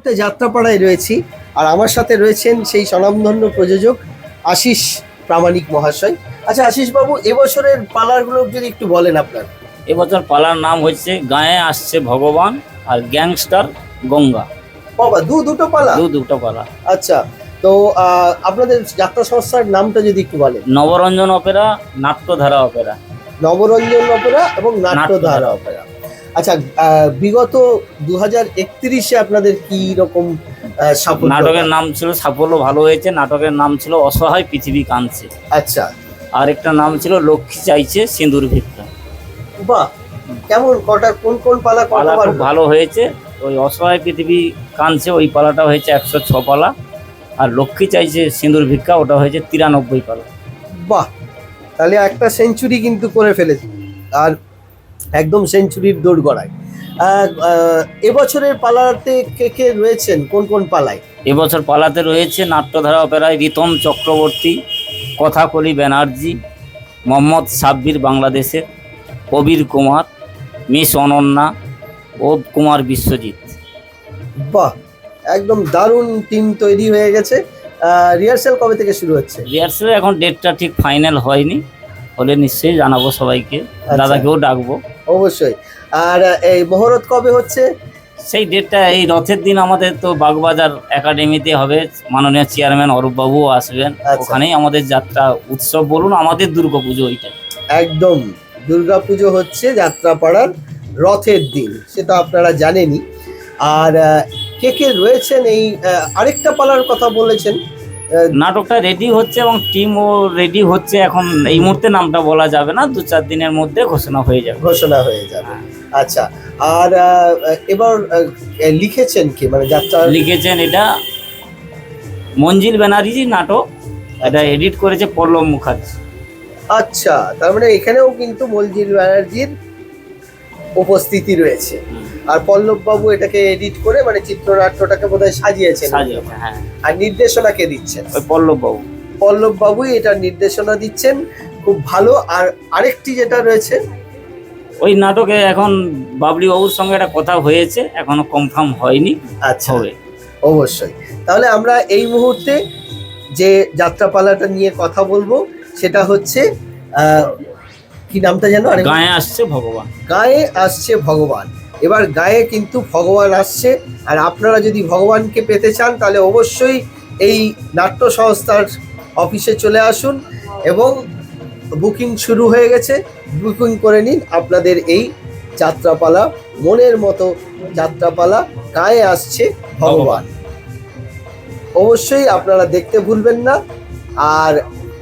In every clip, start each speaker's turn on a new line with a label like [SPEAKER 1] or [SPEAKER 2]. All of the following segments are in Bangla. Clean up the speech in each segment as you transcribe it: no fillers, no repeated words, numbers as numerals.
[SPEAKER 1] মুহূর্তে যাত্রাপাড়ায় রয়েছি, আর আমার সাথে রয়েছেন সেই স্বনামধন্য প্রযোজক আশিস প্রামাণিক মহাশয়। আচ্ছা আশিস বাবু, এবছরের পালারগুলো যদি একটু বলেন আপনার।
[SPEAKER 2] এবছর পালার নাম হচ্ছে গায়ে আসছে ভগবান আর গ্যাংস্টার গঙ্গা।
[SPEAKER 1] বাবা, দুটো পালা?
[SPEAKER 2] দুটো পালা।
[SPEAKER 1] আচ্ছা, তো আপনাদের যাত্রা সংস্থার নামটা যদি একটু বলেন।
[SPEAKER 2] Nabaranjan opera, Natyadhara opera.
[SPEAKER 1] Nabaranjan opera এবং নাট্যধারা অপেরা। আচ্ছা, বিগত 2031-এ আপনাদের কি রকম সাফল্য?
[SPEAKER 2] নাটকের নাম ছিল, সাফল্য ভালো হয়েছে। নাটকের নাম ছিল অসহায় পৃথিবী কাঁদছে।
[SPEAKER 1] আচ্ছা,
[SPEAKER 2] আর একটা নাম ছিল লক্ষ্মী চাইছে সিঁদুর ভিক্ষা।
[SPEAKER 1] বাহ, কেমন কোন পালা
[SPEAKER 2] পালা খুব ভালো হয়েছে। ওই অসহায় পৃথিবী কাঁদছে ওই পালাটা হয়েছে 106 পালা, আর লক্ষ্মী চাইছে সিঁদুর ভিক্ষা ওটা হয়েছে 93 পালা।
[SPEAKER 1] বাহ, তাহলে একটা সেঞ্চুরি কিন্তু করে ফেলেছে, আর একদম সেঞ্চুরির দৌড় গড়ায়। এবছরের পালাতে কে রয়েছেন, কোন পালায়?
[SPEAKER 2] এবছর পালাতে রয়েছে নাট্যধারা অপেরায় রিতম চক্রবর্তী, কথাকলি ব্যানার্জি, মোহাম্মদ সাব্বির বাংলাদেশের, কবির কুমার, মিস অনন্যা ও কুমার বিশ্বজিৎ।
[SPEAKER 1] বাহ, একদম দারুণ টিম তৈরি হয়ে গেছে। রিহার্সাল কবে থেকে শুরু হচ্ছে?
[SPEAKER 2] রিহার্সালে এখন ডেটটা ঠিক ফাইনাল হয়নি, হলে নিশ্চয়ই জানাবো সবাইকে।
[SPEAKER 1] আচ্ছা।
[SPEAKER 2] দাদাকেও ডাকবো
[SPEAKER 1] অবশ্যই। আর এই মহরত কবে হচ্ছে?
[SPEAKER 2] সেই ডেটটা এই রথের দিন আমাদের তো বাগবাজার একাডেমিতে হবে। মাননীয় চেয়ারম্যান অরূপবাবুও আসবেন।
[SPEAKER 1] আচ্ছা।
[SPEAKER 2] ওখানেই আমাদের যাত্রা উৎসব বলুন, আমাদের দুর্গাপুজো ওইটা।
[SPEAKER 1] একদম, দুর্গাপুজো হচ্ছে যাত্রাপাড়ার রথের দিন, সেটা আপনারা জানেনই। আর কে রয়েছেন এই আরেকটা পালার কথা বলেছেন?
[SPEAKER 2] নাটকটা রেডি হচ্ছে এবং টিমও রেডি হচ্ছে। এখন এই মুহূর্তে নামটা বলা যাবে না, 2-4 দিনের মধ্যে ঘোষণা হয়ে যাবে।
[SPEAKER 1] আচ্ছা, আর এবার লিখেছেন কি, মানে যাত্রা
[SPEAKER 2] লিখেছেন এটা মঞ্জিল ব্যানার্জি নাটক, এটা এডিট করেছে পল্লব মুখার্জি।
[SPEAKER 1] আচ্ছা, তার মানে এখানেও কিন্তু মঞ্জিল ব্যানার্জির উপস্থিতি রয়েছে। আর পল্লব বাবু এটাকে এডিট করে, মানে চিত্রনাট্যটাকে বোধহয় সাজিয়েছেন।
[SPEAKER 2] হ্যাঁ।
[SPEAKER 1] আর নির্দেশনা কে দিচ্ছেন?
[SPEAKER 2] ওই পল্লব বাবু।
[SPEAKER 1] পল্লব বাবুই এটা নির্দেশনা দিচ্ছেন, খুব ভালো। আর আরেকটি যেটা রয়েছে,
[SPEAKER 2] ওই নাটকে এখন বাবলি বাবুর সঙ্গে একটা কথা হয়েছে, এখনো কনফার্ম হয়নি।
[SPEAKER 1] আচ্ছা,
[SPEAKER 2] হবে
[SPEAKER 1] অবশ্যই। তাহলে আমরা এই মুহূর্তে যে যাত্রাপালাটা নিয়ে কথা বলবো সেটা হচ্ছে কি নামটা যেন?
[SPEAKER 2] গায়ে আসছে ভগবান।
[SPEAKER 1] গায়ে আসছে ভগবান। এবার গায়ে কিন্তু ভগবান আসছে, আর আপনারা যদি ভগবানকে পেতে চান তাহলে অবশ্যই এই নাট্য সংস্থার অফিসে চলে আসুন, এবং বুকিং শুরু হয়ে গেছে। বুকিং করে নিন আপনাদের এই যাত্রাপালা, মনের মতো যাত্রাপালা গায়ে আসছে ভগবান। অবশ্যই আপনারা দেখতে ভুলবেন না। আর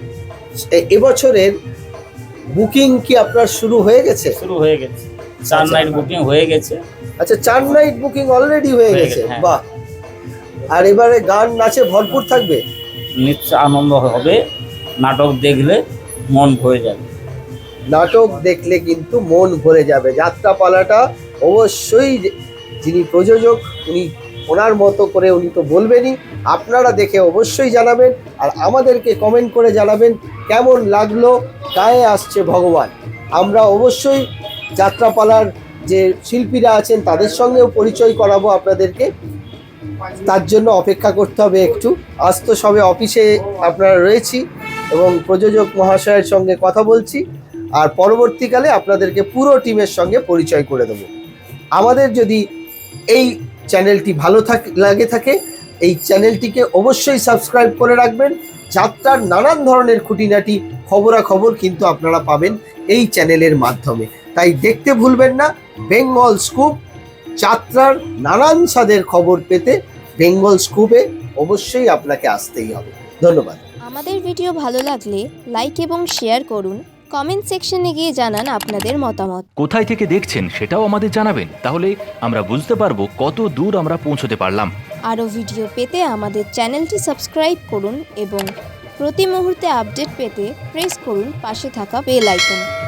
[SPEAKER 1] এবছরের বুকিং কি আপনার শুরু হয়ে গেছে?
[SPEAKER 2] শুরু হয়ে গেছে, 4 নাইট বুকিং হয়ে গেছে।
[SPEAKER 1] আচ্ছা, 4 নাইট বুকিং অলরেডি হয়ে গেছে।
[SPEAKER 2] হ্যাঁ।
[SPEAKER 1] বাহ, আর এবারে গান নাচে ভরপুর থাকবে,
[SPEAKER 2] নিশ্চয় আনন্দ হবে। নাটক দেখলে মন ভরে যাবে।
[SPEAKER 1] নাটক দেখলে কিন্তু মন ভরে যাবে। যাত্রাপালাটা অবশ্যই যিনি প্রযোজক উনি ওনার মতো করে উনি তো বলবেনই, আপনারা দেখে অবশ্যই জানাবেন, আর আমাদেরকে কমেন্ট করে জানাবেন কেমন লাগলো গায়ে আসছে ভগবান। আমরা অবশ্যই যাত্রাপালার যে শিল্পীরা আছেন তাদের সঙ্গেও পরিচয় করাবো আপনাদেরকে। তার জন্য অপেক্ষা করতে হবে একটু। আজ তো সবে অফিসে আপনারা রয়েছি এবং প্রযোজক মহাশয়ের সঙ্গে কথা বলছি, আর পরবর্তীকালে আপনাদেরকে পুরো টিমের সঙ্গে পরিচয় করে দেব। আমাদের যদি এই চ্যানেলটি ভালো লাগে থাকে, এই চ্যানেলটিকে অবশ্যই সাবস্ক্রাইব করে রাখবেন। যাত্রার নানান ধরনের খুঁটিনাটি খবরাখবর কিন্তু আপনারা পাবেন এই চ্যানেলের মাধ্যমে, তাই দেখতে ভুলবেন না। বেঙ্গল স্কুপ, যাত্রার নানান স্বাদের খবর পেতে বেঙ্গল স্কুপে অবশ্যই আপনাকে আসতেই হবে। ধন্যবাদ।
[SPEAKER 3] আমাদের ভিডিও ভালো লাগলে লাইক এবং শেয়ার করুন। কমেন্ট সেকশনে গিয়ে জানান আপনাদের মতামত।
[SPEAKER 4] কোথায় থেকে দেখছেন সেটাও আমাদের জানাবেন, তাহলে আমরা বুঝতে পারবো কত দূর আমরা পৌঁছতে পারলাম।
[SPEAKER 3] আরও ভিডিও পেতে আমাদের চ্যানেলটি সাবস্ক্রাইব করুন এবং প্রতি মুহূর্তে আপডেট পেতে প্রেস করুন পাশে থাকা বেল আইকন।